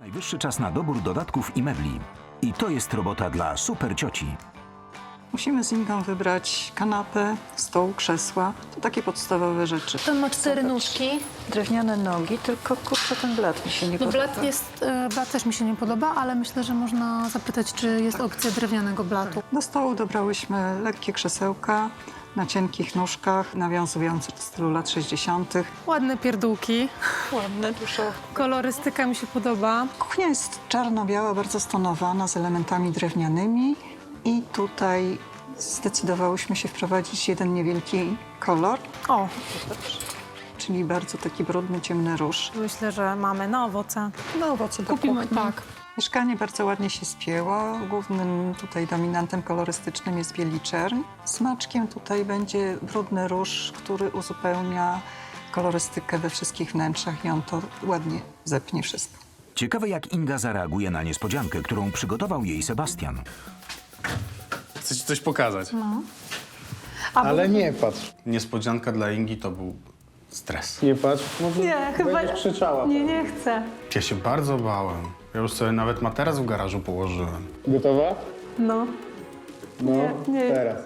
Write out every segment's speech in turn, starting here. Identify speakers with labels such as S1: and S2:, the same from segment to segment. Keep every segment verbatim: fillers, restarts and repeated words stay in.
S1: Najwyższy czas na dobór dodatków i mebli. I to jest robota dla super cioci.
S2: Musimy z Ingą wybrać kanapę, stół, krzesła. To takie podstawowe rzeczy.
S3: Ten ma cztery nóżki.
S2: Drewniane nogi, tylko kurczę, ten blat mi się nie
S3: No
S2: podoba.
S3: blat jest, e, blat też mi się nie podoba, ale myślę, że można zapytać, czy jest opcja drewnianego blatu.
S2: Do stołu dobrałyśmy lekkie krzesełka na cienkich nóżkach, nawiązujące do stylu lat sześćdziesiątych.
S3: Ładne pierdółki.
S2: Ładne, dużo.
S3: Kolorystyka mi się podoba.
S2: Kuchnia jest czarno-biała, bardzo stonowana, z elementami drewnianymi. I tutaj zdecydowałyśmy się wprowadzić jeden niewielki kolor,
S3: O,
S2: czyli bardzo taki brudny, ciemny róż.
S3: myślę, że mamy na owoce.
S2: No owoce do
S3: Kupimy,
S2: kuchni.
S3: tak.
S2: Mieszkanie bardzo ładnie się spięło. Głównym tutaj dominantem kolorystycznym jest bieliczern. Smaczkiem tutaj będzie brudny róż, który uzupełnia kolorystykę we wszystkich wnętrzach i on to ładnie zepnie wszystko.
S1: Ciekawe, jak Inga zareaguje na niespodziankę, którą przygotował jej Sebastian.
S4: Chcę ci coś pokazać.
S5: Ale nie patrz,
S4: Niespodzianka dla Ingi to był stres.
S5: nie patrz. Może
S3: Nie, chyba
S5: będziesz krzyczała.
S3: Nie, nie chcę.
S4: Ja się bardzo bałem. Ja już sobie nawet materac w garażu położyłem.
S5: Gotowa?
S3: No.
S5: No,
S3: Nie, nie.
S5: teraz.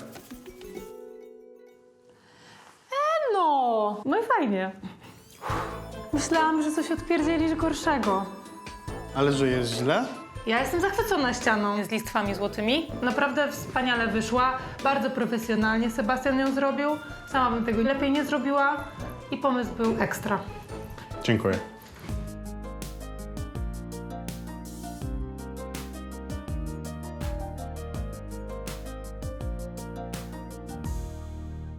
S3: No, no i fajnie. Myślałam, że coś odpierdzielisz gorszego.
S4: Ale że jest źle?
S3: Ja jestem zachwycona ścianą z listwami złotymi. Naprawdę wspaniale wyszła, bardzo profesjonalnie Sebastian ją zrobił. Sama bym tego lepiej nie zrobiła i pomysł był ekstra.
S4: Dziękuję.